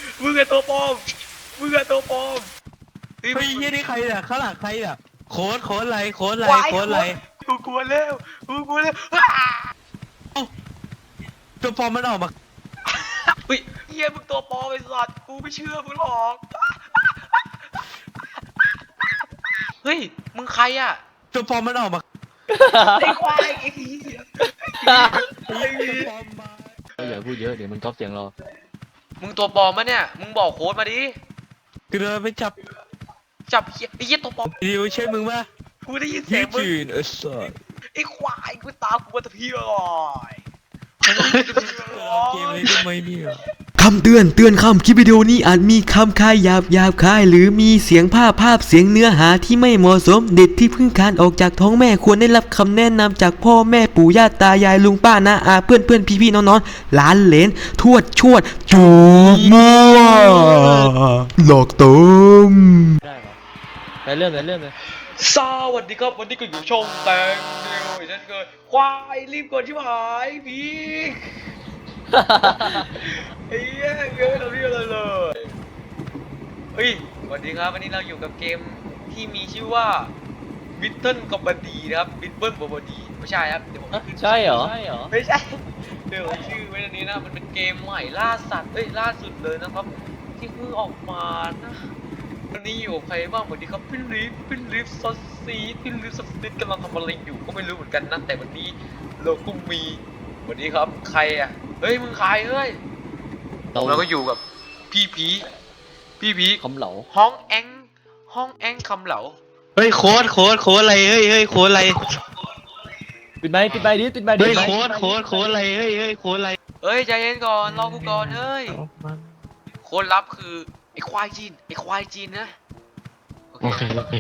มึงอะตัวปลอมมึงอะตัวปลอมเฮ้ยยี่นี่ใครเนี่ยข้างหลังใครเนี่ยโค้ดอะไรโค้ดอะไรกูกลัวแล้วกูกลัวแล้วตัวปลอมมันออกมาเฮ้ยเฮียมึงตัวปลอมไอ้สัตว์กูไม่เชื่อมึงหรอกเฮ้ยมึงใครอะตัวปลอมมันออกมาไอ้ควายไอ้เหี้ยอย่าพูดเยอะเดี๋ยวมันก๊อปเสียงเรามึงตัวปลอมมะเนี่ยมึงบอกโค้ดมาดิคือเดินไปจับจับเฮียไอ้เหี้ยตัวปลอมดิวใช่มึงปะกูได้ยินเสียี่ยงมึงจืนสัสไอ้ควายกูตามกูมาตะพี่เลยเกมนี้ทำไมเนี่ยคำเตือนคำคลิปวิดีโอนี้อาจมีคำคายหยาบคายหรือมีเสียงภาพเสียงเนื้อหาที่ไม่เหมาะสมเด็กที่เพิ่งคลานออกจากท้องแม่ควรได้รับคำแนะนำจากพ่อแม่ปู่ย่าตายายลุงป้าน้าอาเพื่อนพี่น้องหลานเหลนทวดชวดจูบมั่วหลอกต้มได้เหรอไปเริ่มเลยสวัสดีครับวันนี้ก็อยู่ช่องแตงเดียวไอ้ฉันเกิดควายรีบกดชิบหายพี่ไอ้เหี้ยเกิดเราเรียกอะไรเลยเฮ้ยสวัสดีครับวันนี้เราอยู่กับเกมที่มีชื่อว่าบิทเทิลกับบดีนะครับบิทเทิลกับบดีไม่ใช่ครับเดี๋ยวผมขึ้นใช่เหรอไม่ใช่เดี๋ยวผมชื่อไว้ตรงนี้นะมันเป็นเกมใหม่ล่าสัตว์ล่าสุดเลยนะครับที่เพิ่งออกมานะวันนี้อยู่กับใครบ้างสวัสดีครับพี่ลิฟซอสซีพี่ลิฟซอสซีกำลังทำอะไรอยู่ก็ไม่รู้เหมือนกันนะแต่วันนี้เราก็มีสวัสดีครับใครอ่ะเฮ้ยมึงใครเฮ้ยเราก็อยู่กับพี่ผีคำเหลาห้องแองคำเหลาเฮ้ยโค้ดอะไรเฮ้ยโค้ดอะไรปิดไมค์ดิเฮ้ยโค้ดอะไรเฮ้ยโค้ดอะไรเฮ้ยใจเย็นก่อนรอกูก่อนเฮ้ยคนรับคือไอ้ควายจีนนะโอเค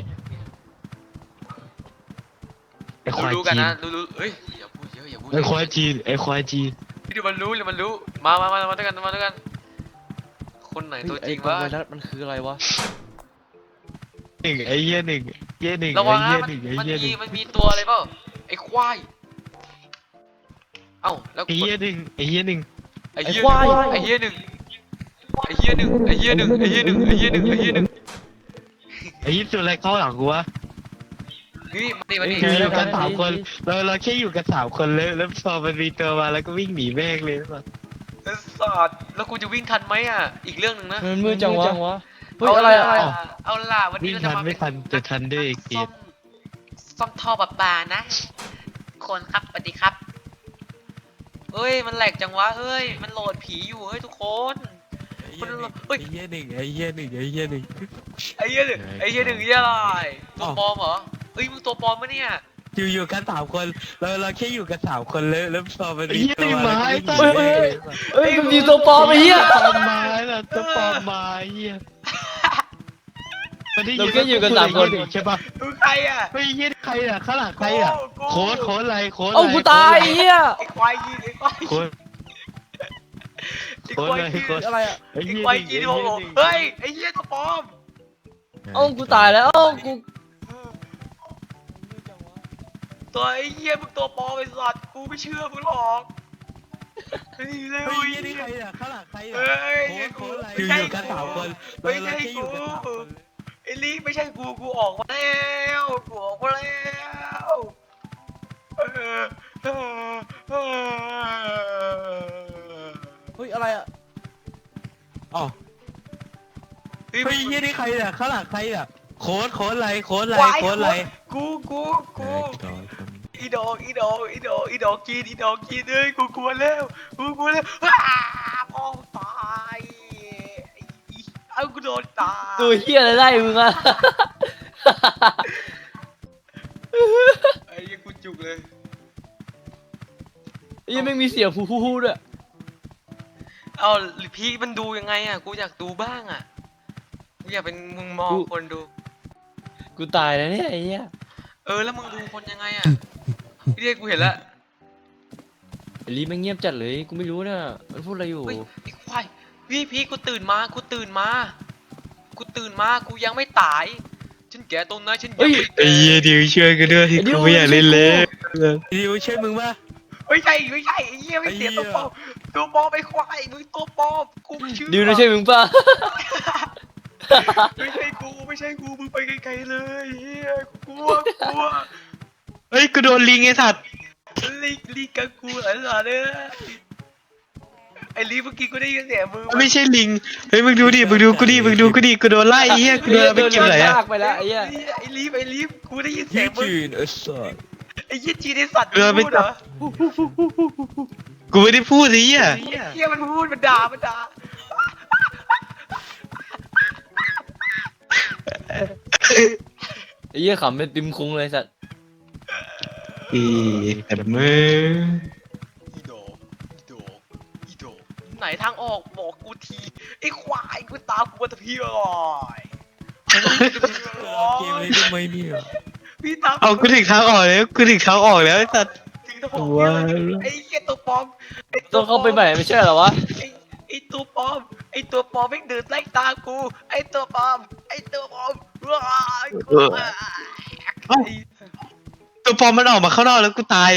ไอ้ควายรู้กันจีนนะรู้เอ้ยอย่าพูดเยอะอย่าพูดไอ้ควายจีนเดี๋ยวมันรู้มาด้วยกันคนไหนตัวจริงวะไวรัสมันคืออะไรวะหนึ่งไอ้เหี้ยหนึ่งระวังนะไอ้เหี้ยหนึ่งมันมีตัวอะไรเปล่าไอ้ควายเอ้าแล้วไอ้เหี้ยหนึ่งไอ้เหี้ยหนึ่งไอ้เหี้ยหนึ่งไอ้เหี้ยสุดอะไรเข้าหลังกูวะนี่มาดิคืออยู่กันสามคนเราแค่อยู่กัน3 คนแล้วพอมันมีตัวมาแล้วก็วิ่งหนีแม่งเลยป่ะสัตว์แล้วกูจะวิ่งทันไหมอ่ะอีกเรื่องหนึ่งนะมันมืดจังวะเฮ้ยเอาอะไรเอาล่ะวันนี้วิ่งเราจะทันมาไม่ทันจะทันด้วยอีกทีซ่อมท่อประปานะ คนครับสวัสดีครับเฮ้ยมันแหลกจังวะเฮ้ยมันโหลดผีอยู่เฮ้ยทุกคนไอ้เหี้ยหนึ่งไอ้เหี้ยหนึ่งไอ้เหี้ยหนึ่งไอ้เหี้ยหนึ่งเหี้ยอะไรตัวปลอมเหรอเฮ้ยมึงตัวปลอมปะเนี่ยอยู่กัน3 คนเราแค่อยู่กัน3 คนแล้วพอมันมีไอ้เหี้ยตัวไม้มาแล้วก็วิ่งหนีแม่งเลยป่ะเฮ้ยมันมีตัวปลอมไอ้เหี้ยปลอมไม้ล่ะตัวปลอมไม้เหี้ยมันได้ยินเราแค่อยู่กัน3 คนใช่ป่ะมึงใครอ่ะไม่เหี้ยใครอ่ะข้างหลังใครอ่ะกูโค้ดอะไรเอ้ากูตายไอ้เหี้ยไอ้ควายยีนไอ้ควายโค้ดไอ้ควายยีนโค้ดอะไรอะไอ้ควายยีนโง่เฮ้ยไอ้เหี้ยตัวปลอมเอ้ากูตายแล้วเอ้ากูตัวไอ้เหี้ยมึงตัวปลอมไอ้สัตว์กูไม่เชื่อมึงหรอกนี่เลยไม่เว้ยเหี้ยนี่ใครอ่ะข้างหลังใครอ่ะเฮ้ยโค้ดอะไรไม่อใช่ยู่กัน3 คนไม่ใช่เราแค่อยู่กันกู 3 คนไอ้ลีไม่ใช่กูออกมาแล้วกูออกมาแล้วเออเฮ้ยอะไรอะอ๋อเฮ้ยไม่เหี้ยนี่ใครอ่ะข้างหลังใครอ่ะโค้ดอะไรกูอีดอกกินเอ้ยกูกลัวแล้วพ่อตายเอากูโดนตายตัวเหี้ยอะไรไล่มึงอะไอ้ยังกูจุกเลยไอ้เหี้ยังไม่มีเสียงฮู้ด้วยเอาพี่มันดูยังไงอ่ะกูอยากดูบ้างอ่ะกูอยากเป็นมึงมองคนดูกูตายแล้วเนี่ยไอ้เหี้ยแล้วมึงดูคนยังไงอ่ะพี่เรียกกูเห็นแล้วไอ้ลีมันเงียบจัดเลยกูไม่รู้นะมันพูดอะไรอยู่เฮ้ยไอ้ควายพี่กูตื่นมากูยังไม่ตายฉันแก่ตรงนั้นฉันยังไม่ไอ้เหี้ยดิวช่วยกันด้วยที่กูไม่อยากเล่นเลยดิวช่วยมึงป่ะไม่ใช่ไอ้เหี้ยไม่เสียตัวปลอมตัวปลอมไอ้ควายมึงตัวปลอมกูไม่เชื่อดิวไม่ใช่มึงป่ะไม่ใช่กูมึงไปไกลๆเลยเฮียกลัวเฮ้ยกูโดนลิงไอ้สัตว์ลิงกับกูอะไรเนี่ยไอ้ลิงเมื่อกี้กูได้ยินเสียงมือไม่ใช่ลิงเฮ้ยมึงดูดิมึงดูกูดิกูโดนไล่เฮียกูโดนเอาไปเก็บไหนอะลากไปแล้วไอ้เหี้ยไอ้ลิฟกูได้ยินเสียงมึงไอ้สัสไอ้ยี่จีนไอ้สัตว์มึงพูดเหรอกูไม่ได้พูดสิเฮียเฮียมันพูดมันด่าไอ้เหี้ยขำเป็นติมคุ้งเลยสัสอีแต่มึงอีโดไหนทางออกบอกกูทีไอ้ควายกูตามกูมาตะพี่อ่อยพี่ตามเอากูถึงทางออกแล้วไอ้สัตว์ถึงทางออกไอ้เหี้ยตัวปลอมต้องเข้าไปใหม่ไม่ใช่เหรอวะไอ้ตัวปลอมไม่งเดินไล่ตามกูไอ้ตัวปลอมว้ายกูตัวปลอมมันออกมาข้างนอกแล้วกูตาย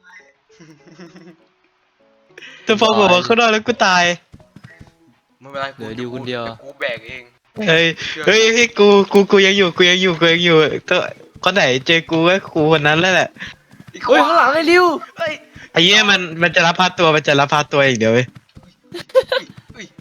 ตัวปลอมออกมาข้างนอกแล้วกูตายไม่เป็นไรเหลือดิวคนเดียวกูแบกเองเฮ้ยกูยังอยู่ตัวคนไหนเจอกูก็กูคนนั้นแล้วแหละเฮ้ยข้างหลังไอ้ดิวเฮ้ยไอ้เหี้ยมันจะรับพาตัวอย่างเดียวเว้ยเฮ้ย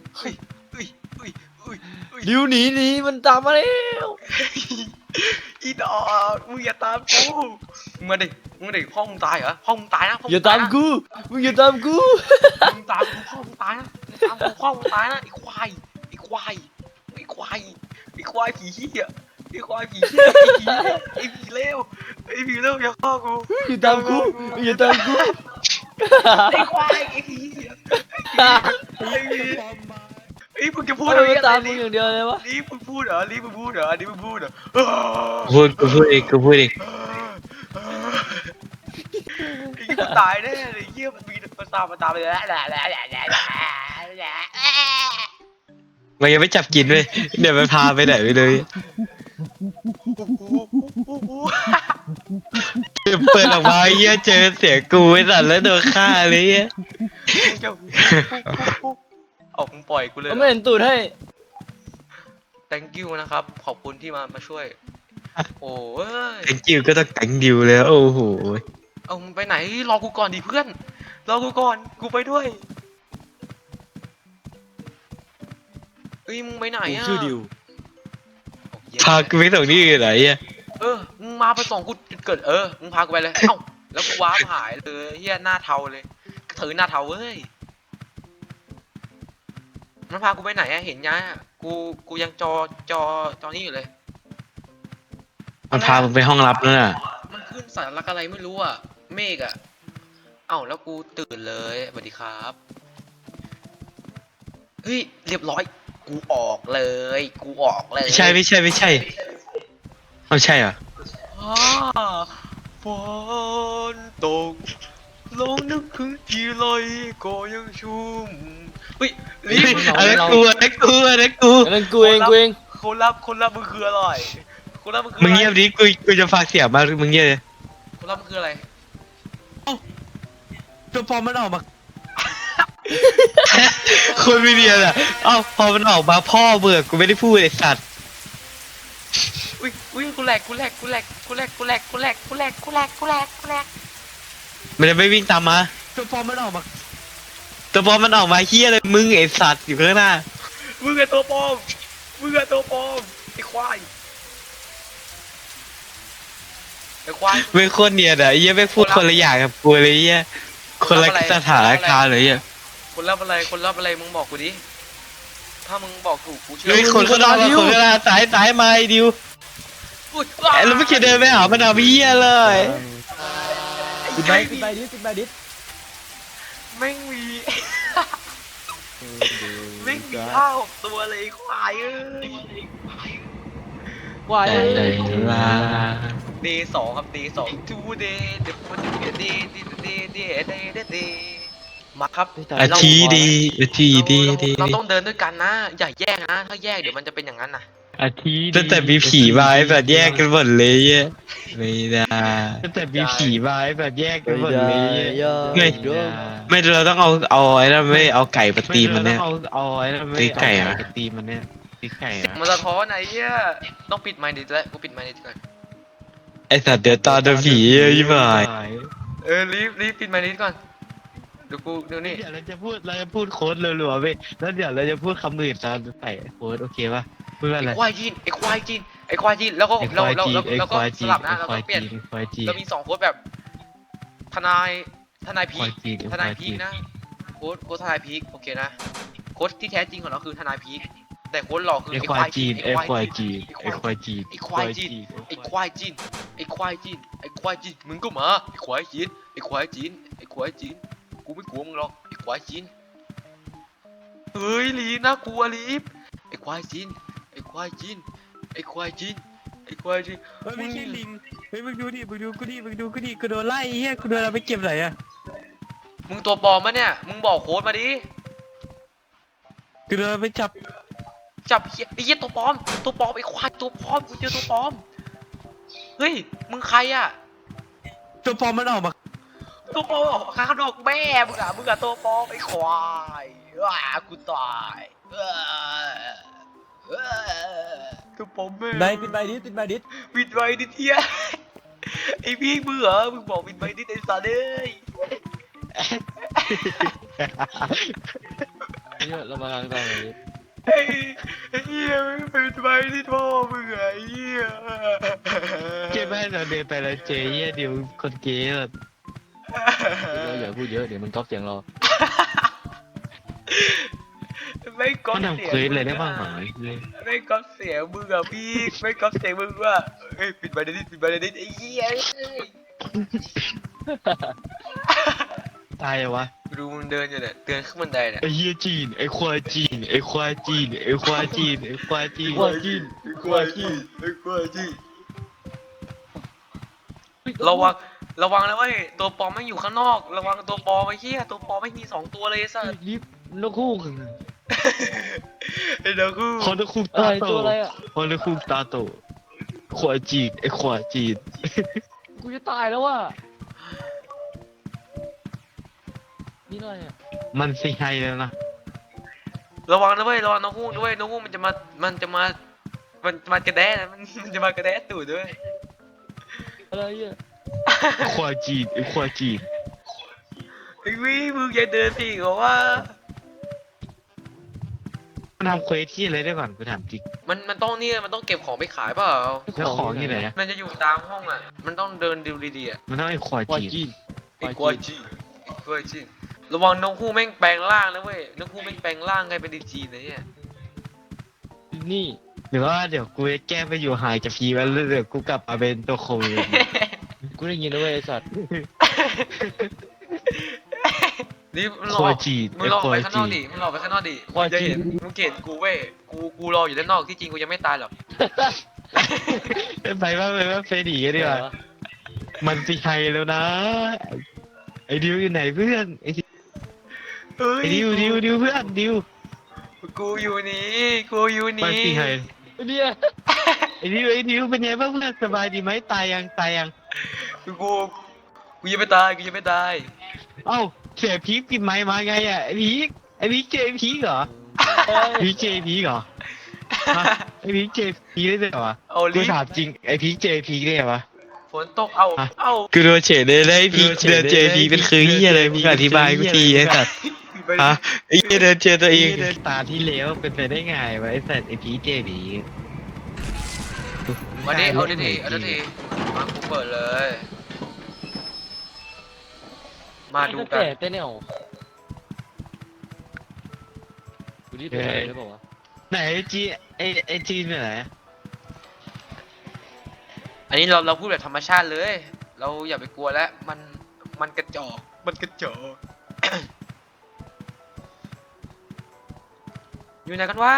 ดิวหนีมันตามมาแล้วอีดอกมึงอย่าตามกูมึงมาดิห้องมึงตายเหรอห้องมึงตายนะอย่าตามกูมึงอย่าตามกูมึงตามกูห้องมึงตายนะห้องมึงตายนะไอ้ควายผีเหี้ยไอ้ผีเลวอย่าฆ่ากูอย่าตามกูอย่าตามกูไอ้ควายไอ้ผีเหี้ยไอ้มึงจะพูดมันอะไรตามมึงอย่างเดียวเลยวะนี่มึงพูดเหรอกูพูดเองไอ้กูตายแน่เลยเหี้ยมันมีมันตามไปแล้วมันยังไม่จับกินเว้ยเดี๋ยวมันพาไปไหนไปเลยเปิดออกมาเหี้ยเจอเสียงกูไอ้สัตว์แล้วโดนฆ่าเลยเหี้ยเอามึงปล่อยกูเลยมันไม่เห็นตูดให้ thank you นะครับขอบคุณที่มาช่วยโอ้ยแตงกิวก็ต้องแตงดิวแล้วโอ้โหเอามึงไปไหนรอกูก่อนดิเพื่อนรอกูก่อนกูไปด้วยเอ้ยมึงไปไหนอ่ะชื่อดิวพากูไปส่งที่อื่นไหนอ่ะมึงมาไปส่งกูจุดเกิดมึงพากูไปเลยเอ้าแล้วกูว้าร์ปหายเลยเฮียหน้าเทาเลยถือหน้าเทาเว้ยมันพากูไปไหนอะเห็นยังอะกูยังจอนี่อยู่เลยมันพามึงไปห้องลับนั่นน่ะมันขึ้นสารลักอะไรไม่รู้อะเมฆอะเอ้าแล้วกูตื่นเลยสวัสดีครับเฮ้ยเรียบร้อยกูออกเลยไม่ใช่เอาใช่เหรอฝนตกลงนึกถึงทีไรก็ยังชุ่มเฮ้ยรีบอันนั้นกูอันนั้นกูเองคนรับมึงคืออะไรคนรับมึงคือมึงอะไรเงียบดิกูจะฝากเสียงมากมึงเงียบเลยคนรับมึงคืออะไรตัวปลอมมันออกมา คนไม่เรียนอ่ะเอ้าพอมันออกมาพ่อเบื่อกูไม่ได้พูดไอ้สัตว์อุ้ยกูแหลกมันจะไม่วิ่งตามมาตัวปลอมมันออกมาเฮียเลยมึงไอ้สัตว์อยู่ข้างหน้ามึงอะตัวปลอมไอ้ควายไม่โคตรเนียนอ่ะไอ้เหี้ยไม่พูดคนละอย่างกับกูเลยไอ้เหี้ยคนละสถานการณ์เลยอ่ะคนรับอะไรมึงบอกกูดิถ้ามึงบอกถูกกูเชื่อเฮ้ยคนข้างนอกมาคนข้างหน้าสายมาไอ้ดิวอุ้ยไอ้แล้วไม่เคยเดินไปหามันเอาเหี้ยเลยปิดใบดิแม่งมีข้าวตัวเลยควายวาย Day 2ครับ Day 2 Today Day มาครับอาทีดีเราต้องเดินด้วยกันนะอย่าแยกนะถ้าแยกเดี๋ยวมันจะเป็นอย่างนั้นนะอาทิตย์ตั้งแต่มีผีมาไอ้แบบแยกกันหมดเลยอ่ะไม่ได้ตั้งแต่มีผีมาไอ้แบบแยกกันหมดเลยไม่ไม่เราต้องเอาไอ้นั่นไม่เอาไก่มาตีมันเนี่ยเอาไอ้นั่นไม่ไก่มาตีมันเนี่ยตีไก่อะมันสะท้อนไหนเหี้ยต้องปิดไมค์ดิแล้วกูปิดไมค์ดิก่อนไอสัตว์เดี๋ยวตาโดนผียี่หมายรีบปิดไมค์ดิก่อนเดี๋ยวนี่เดี๋ยวเราจะพูดโค้ดรัวๆไปแล้วเดี๋ยวเราจะพูดคำอื่นตามใส่โค้ดโอเคป่ะพูดว่าอะไรไอ้ควายจีนแล้วก็แล้วก็สลับนะเราก็เปลี่ยนควายจีนเรามี2โค้ดแบบทนายพีควายคจีนทนายพีคนะโค้ดทนายพีคโอเคนะโค้ดที่แท้จริงของเราคือทนายพีคแต่โค้ดหลอกคือไอควายจีนไอควายจีนไอควายจีนไอ้ควายจีนไอ้ควายจีนไอ้ควายจีนไอ้ควายจีนมึงก็มาไอ้ควายจีนไอ้ควายจีนไอ้ควายจีนกูไม่กลัวมึงหรอกไอ้ควายจีนเฮ้ยลีน่ากลัวลีฟไอ้ควายจีนไอ้ควายจีนไอ้ควายจีนไอ้ควายจีนเฮ้ยไม่ใช่ลิงเฮ้ยมึงดูดิกูโดนไล่เฮียกูโดนเอาไปเก็บไหนอะมึงตัวปลอมมะเนี่ยมึงบอกโค้ดมาดิกูโดนเอาไปจับจับเหี้ยไอ้เหี้ยตัวปลอมไอ้ควายตัวปลอมกูเจอตัวปลอมเฮ้ยมึงใครอะตัวปลอมมันออกมาตัวปลอมออกข้างนอกแม่มึงอะตัวปลอมไอ้ควายกูตายตัวปลอมแม่ไหนปิดใบดิปิดไว้ดิเทียไอ้พี่มึงเหรอมึงบอกปิดไว้ดิไอ้สัตว์เอ้ยเนี่ยเรามาทางตอนไหนไอ้เหี้ยมึงปิดไว้ดิพ่อมึงไอ้เหี้ยเจ๊แม่เราเดินไปแล้วเจ๊เดี๋ยวคนเกย์แบบเราอย่าพูดเยอะเดี๋ยวมันก๊อปเสียงเราไม่ก๊อปมันทำเสียเควสงเลยได้บ้างไหมเลยไม่ก๊อปเสียงมึงอะพี่ไม่ก๊อปเสียงมึงว่าเอ้ยปิดไว้ดิไอ้เหี้ยตายวะดูมึงเดินอยู่เนี่ยเดินขึ้นบันไดเนี่ยไอเฮียจีนไอควายจีนไอควายจีนไอควายจีนไอควายจีนควายจีนระวังแล้วเว้ยตัวปลอมไม่อยู่ข้างนอกระวังตัวปลอมไอ้เหี้ยตัวปลอมไม่มี2ตัวเลยไอ้สัสลิฟนกฮูกไอ้เด็กกูคอนคุกอะตาไรโตตัวอะไรอ่ะคอนคุกตาโตควายจีนไอควายจีนกูจะตายแล้วว่ะนี่อะไรอ่ะมันสิให้แล้วนะระวังนะเว้ยระวังน้องฮูกด้วยน้องฮูกมันจะมากระแดะนะมันจะมากระแดะตูดด้วยอะไรอ่ะควายจีนไอควายจีนไอ้วิมึงอย่าเดินสิบอกว่ามันทำเควสที่อะไรได้ก่อนกูถามจริงมันต้องเก็บของไปขายเปล่าแล้วของที่ไหนอะมันจะอยู่ตามห้องอ่ะมันต้องเดินดูดีๆอ่ะมันต้องไอควายควายจีจีนนไอ้กวยจีระวังน้องฮูกแม่งแปลงร่างนะเว้ยน้องฮูกแม่งแปลงร่างไงเป็นดีจีนนะเนี่ยนี่หรือว่าเดี๋ยวกูจะแก้ไปอยู่ห่างจากพีแล้วเดี๋ยวกูกลับมาเป็นตัวโควิดกูได้ยินแล้วเว้ยไอ้สัตว์นี่มึงหลควาอย กจีนมึไองหลอกควาไปยข้างนจีอกนดิมึงหลอกไปข้างนอกดิควายจะจีเห็นนมึงเกลียดกูเว้ยกูรออยู่ด้านนอกที่จริงกูยังไม่ตายหรอกไปว่าเฟรดีกันดีกว่า มันสิไฮแล้วนะ ไอ้ดิวอยู่ไหนเพื่อน ไอ้เฮ้ยดิวเพื่อนดิวกูอยู่นี่มันสิไฮเนี่ยไอ้ดิวเป็นไงบ้างเพื่อนสบายดีไหมตายยังกูยังไม่ตายเอ้าเสียพีคปิดไม้มาไงอ่ะไอ้พีคเจพีคเหรอเอ้ยพีคเจพีคเหรอฮะไอ้พีคเจพีคได้เหรอวะเอากูลิฟถามจริงไอ้พีคเจพีคได้เหรอวะฝนตกเอากูโดนเฉดเลยได้พีคเดินเจพีเป็นคือเฮียอะไรมึงอธิบายกูทีไอ้สัตว์ฮะไอ้เฮียเดินเจอตัวเองตาที่แล้วเป็นไปได้ไงวะไอ้สัตว์ไอ้พีคเจพีคมาดิเอาดิมากูเปิดเลย มาดูกันเต้นเนี่ยดูดิเป็นอะไรหรือเปล่าวะไหนไอจีนไปไหนอันนี้เราพูดแบบธรรมชาติเลย เราอย่าไปกลัวแล้วมันกระจอก อยู่ไหนกันวะ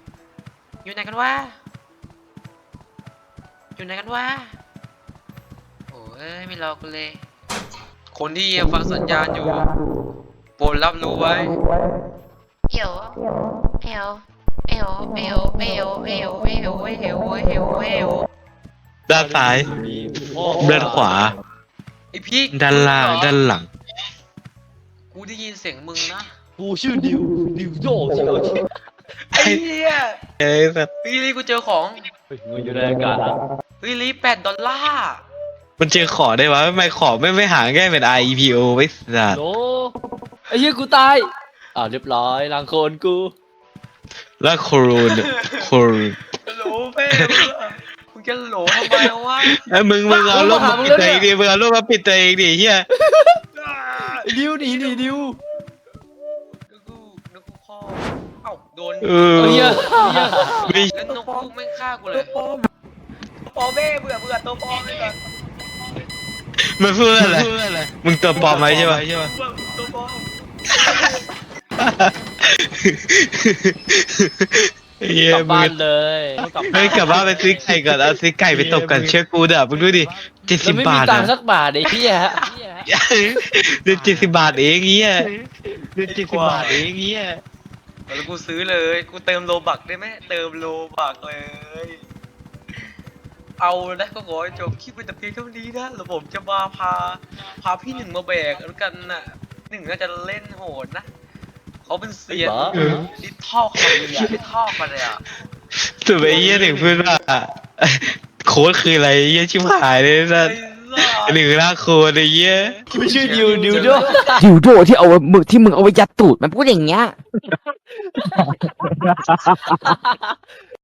โอ้ยไม่รอกันเลย คนที่ยังฟังสัญญาณอยู่โปรดรับรู้ไว้有有ด้านซ้าย ด้านขวาไอพี่ด้านล่าง ด้านหลังกูได้ยินเสียงมึงนะกูชื่อดิวโย่ใช่ไหมไอ้เหี้ยเอ้ยแบบพี่ลีกูเจอของเฮ้ยเงินอยู่ในอากาศนะพี่ลี$8 มันเจอขอได้วะทำไมขอไม่หาง่ายเป็น IEPO ไว้สัตว์โลไอ้เหี้ยกูตายเรียบร้อยล้างโคลนกูแล้วโครูนโครูนโหลเป้มึงจะโหลทำไมวะไอ้ยมึงเอารูปมาปิดตัวเองดิมึงเอารูปมาปิดตัวเองดิเฮียไอ้ดิวหนีดิวนึกกูพ่อเอ้าโดนเออเหี้ยไม่แล้วนกกูแม่งฆ่ากูเลยตัวปอเบ้เบื่อตัวปอเลยก่อนมันพูดอะไรมึงตัวปลอมไหมใช่ปะตัวปอเฮียกลับมึบ้าง นเลยกลับเฮ้ยกลับบ้านไปซื้อไก่ก่อนเอาซื้อไก่ไปตบกันเชื่อกูเด้อมึงดูดิแล้ว 70 ไม่บามีทตังอ่ะค์สักบาทไอ้เหี้ยเดือน70 บาทเองเฮียเดือน70 บาทเองเฮียแล้วกูซื้อเลยกูเติมโลบักได้ไหมเติมโลบักเลย เอานะก็ขอให้จบคลิปเป็นแต่เพียงเท่านี้นะแล้วผมจะมาพาพี่หนึ่งมาแบกแล้วกันน่ะหนึ่งน่าจะเล่นโหดนะเขาเป็นเซียนดิท่อเข้ามาเลยอ่ะดิท่อมาเลยอ่ะสุดไปเฮียถึงพูดว่าโค้ดคืออะไรเฮียชิบหายเลยนะหนึ่งล่าโค้ดไอ้เฮียไม่ชื่อดิวโดดิวโดที่เอาหมึกที่มึงเอาไว้ยัดตูดมันพูดอย่างเงี้ย